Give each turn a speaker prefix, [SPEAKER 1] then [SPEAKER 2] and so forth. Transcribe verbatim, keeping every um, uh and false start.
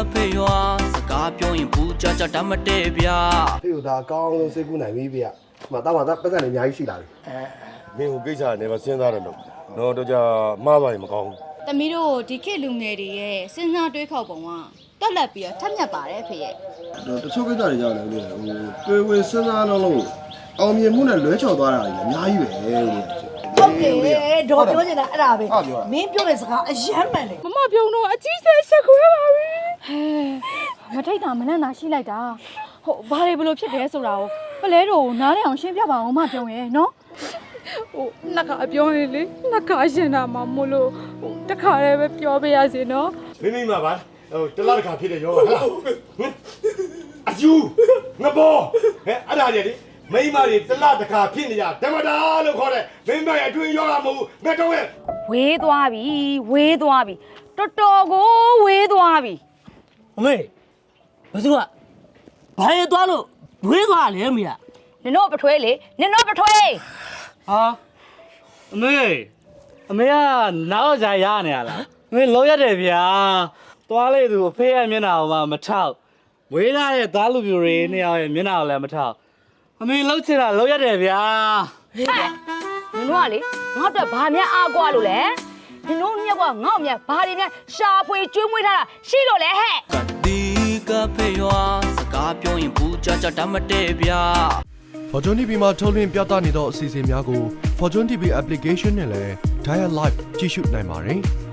[SPEAKER 1] ဖေရွာစကားပြောရင်ဘူးကြကြတတ်မတည့်ဗျာ
[SPEAKER 2] ဖေကိုဒါကောင်းလုံးစိတ်ကူးနိုင်ပြီဗျာဒီမှာတော့မှပတ်စံနေအများကြီးရှိလာပြီ
[SPEAKER 3] မင်းကိုကိစ္စနဲ့ပဲစဉ်းစားတယ်လို့တော့တော့ကြမှားသွားရင်မကောင်းဘူး
[SPEAKER 4] ။တမီးတို့ဒီခေတ်လူငယ်တွေရဲ့စဉ်းစားတွေးခေါ်ပုံကတက်လက်ပြီးတော့ထက်မြက်ပါတယ်ဖေရဲ့
[SPEAKER 2] ။တချို့ကိစ္စတွေကြောင့်လည်းဟိုတွေးဝေစဉ်းစားတော့လို့အောင်မြင်မှုနဲ့လွဲချော်သွားတာကြီးအများကြီးပဲလို့
[SPEAKER 5] ဟုတ်တယ်ဒေါ်ပြောနေတာအဲ့ဒါပဲမင်းပြောတဲ့စကားအယမ်းမှန်တယ်
[SPEAKER 4] မမပြုံတော့အကြီးဆဲရှက်ခွဲပါပြီဟဲမထိတ်တာမနဲ့သာရှိလိုက်တာဟုတ်ဘာတွေဘလို့ဖြစ်တယ်ဆိုတာကိုပလဲတို့နားလည်အောင်ရှင်းပြပါအောင်မပြုံရဲ့နော်ဟိုနှစ်ခါပြောရင်လေနှစ်ခါရှင်တာမှမို့လို့ဟိုတစ်ခါတည်းပဲပြောပြရစီနော်
[SPEAKER 3] မိမိမှာပါဟိုတလားတစ်ခါဖြစ်တဲ့ယောဂဟလားဟင်အယူငဘောဟဲ့အဲ့ဒါကြီးလေမိမတွေတလားတစ်ခါဖြစ်နေကြဓမ္မတာလို့ခေါ်တယ်မိမရဲ့အတွင်းယောဂမဟုတ်ဘူးငါတော့ရဲ့
[SPEAKER 4] ဝေးသွားပြီဝေးသွားပြီတော်တော်ကိုဝေးသွားပြီ
[SPEAKER 6] အမေဘယ်သူကဘာရဲသွားလို့ဝေးသွားလဲအမေက
[SPEAKER 4] နင်တို့ပထွေးလေနင်တို့ပထွေး
[SPEAKER 6] ဟာအမေအမေကနောက်ကြရနေရလားအမေလုံးရတယ်ဗျာသွားလေသူအဖေရဲ့မျက်နှာကိုမှမထောက်ဝေးလာတဲ့သားလူပြိုတွေနှစ်ယောက်ရဲ့မျက်နှာကိုလည်းမထောက်အမေလှုပ်ချင်တာလှုပ်ရတယ်ဗျာ
[SPEAKER 4] ဟဲ့နင်တို့ကလေငါ့အတွက်ဘာများအားကွာလို့လဲနင်တို့မြက်ကငေါ့မြက်ဘာတွေများရှာဖွေကျွေးမွေးထားတာရှိလို့လဲဟဲ့
[SPEAKER 1] ကတိကဖေရွာစကားပြောရင်ဘူးကြကြတတ်မတည့်ဗျာ
[SPEAKER 7] Fortune တီဗီ မှာထုတ်လွှင့်ပြသနေသောအစီအစဉ်များကို Fortune တီဗီ application နဲ့လည်း Dial Live ကြည့်ရှုနိုင်ပါတယ်။